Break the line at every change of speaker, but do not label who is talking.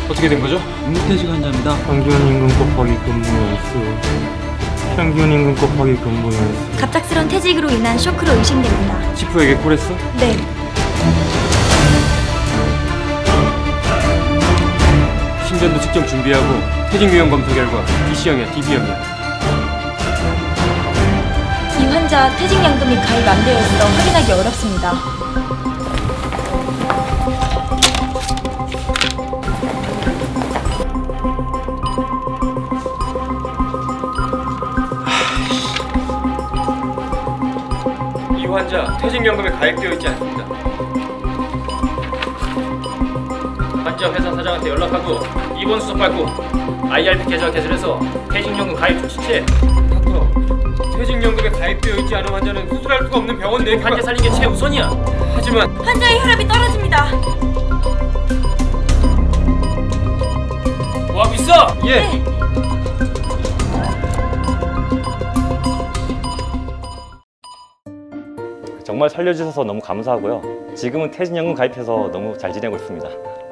어떻게 된 거죠?
임무퇴직 환자입니다.
평균 임금 곱하기 근무 연수. 평균 임금 곱하기 근무 연수.
갑작스런 퇴직으로 인한 쇼크로 의심됩니다.
치프에게 콜했어?
네.
신변도 측정 준비하고 퇴직 유형 검사 결과 DC형이야, DB형이야.
이 환자 퇴직연금이 가입 안 되어 있어 확인하기 어렵습니다.
이 환자 퇴직연금에 가입되어 있지 않습니다. 환자 회사 사장한테 연락하고 입원 수속 밟고 IRP 계좌 개설해서 퇴직연금 가입 조치체. 닥터, 퇴직연금에 가입되어 있지 않은 환자는 수술할 수가 없는 병원 내 환자 살린 게 최우선이야. 하지만
환자의 혈압이 떨어집니다.
뭐하고 있어? 예.
네.
정말 살려주셔서 너무 감사하고요. 지금은 퇴직연금 가입해서 너무 잘 지내고 있습니다.